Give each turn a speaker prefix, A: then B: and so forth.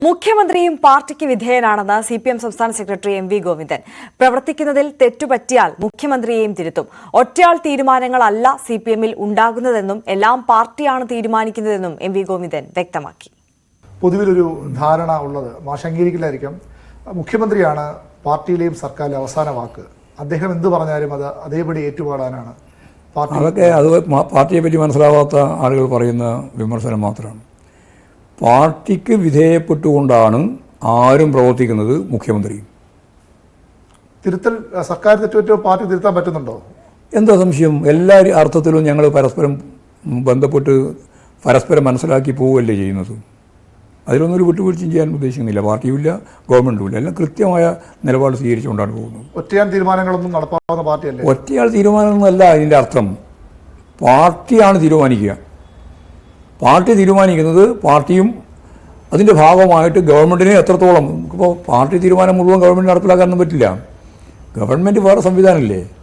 A: മുഖ്യമന്ത്രിയും പാർട്ടിക്ക് വിധേയനാണെന്ന് സിപിഎം സംസ്ഥാന സെക്രട്ടറി എം വി ഗോവിന്ദൻ. പ്രവർത്തിക്കുന്നതിൽ തെറ്റുപറ്റിയാൽ മുഖ്യമന്ത്രിയെയും തിരുത്തും. ഒറ്റയാൾ തീരുമാനങ്ങളല്ല സിപിഎമ്മിൽ ഉണ്ടാകുന്നതെന്നും എല്ലാം പാർട്ടിയാണ് തീരുമാനിക്കുന്നതെന്നും എം വി ഗോവിന്ദൻ വ്യക്തമാക്കി.
B: പൊതുവിലൊരു ധാരണ ഉള്ളത് മാഷംഗീകരിക്കില്ലായിരിക്കാം. മുഖ്യമന്ത്രിയാണ് പാർട്ടിയിലെയും സർക്കാരിലെ അവസാന വാക്ക്. അദ്ദേഹം എന്ത് പറഞ്ഞാലും അത് അതേപടി ഏറ്റുപാടാനാണ് പാർട്ടി.
C: അതൊക്കെ പാർട്ടിയെ പറ്റി മനസ്സിലാവാത്ത ആളുകൾ പറയുന്ന വിമർശനം മാത്രമാണ്. പാർട്ടിക്ക് വിധേയപ്പെട്ടുകൊണ്ടാണ് ആരും പ്രവർത്തിക്കുന്നത്. മുഖ്യമന്ത്രിയും
B: തിരുത്തൽ സർക്കാർ തെറ്റുപറ്റോ പാർട്ടി തിരുത്താൻ പറ്റുന്നുണ്ടോ?
C: എന്താ സംശയം? എല്ലാ അർത്ഥത്തിലും ഞങ്ങൾ പരസ്പരം ബന്ധപ്പെട്ട് പരസ്പരം മനസ്സിലാക്കി പോവുകയല്ലേ ചെയ്യുന്നത്. അതിലൊന്നും ഒരു വിട്ടുവീഴ്ചയും ചെയ്യാൻ ഉദ്ദേശിക്കുന്നില്ല. പാർട്ടിയുമില്ല, ഗവൺമെൻറ്റും ഇല്ല. എല്ലാം കൃത്യമായ നിലപാട് സ്വീകരിച്ചുകൊണ്ടാണ് പോകുന്നത്.
B: ഒറ്റയാൾ തീരുമാനങ്ങളൊന്നും നടപ്പാവുന്ന പാർട്ടിയല്ലേ?
C: ഒറ്റയാൾ തീരുമാനമൊന്നുമല്ല അതിൻ്റെ അർത്ഥം. പാർട്ടിയാണ് തീരുമാനിക്കുക. പാർട്ടി തീരുമാനിക്കുന്നത് പാർട്ടിയും അതിൻ്റെ ഭാഗമായിട്ട് ഗവൺമെൻറ്റിനെ എത്രത്തോളം. ഇപ്പോൾ പാർട്ടി തീരുമാനം മുഴുവൻ ഗവൺമെൻറ് നടപ്പിലാക്കാനൊന്നും പറ്റില്ല. ഗവൺമെൻറ് വേറെ സംവിധാനമില്ലേ.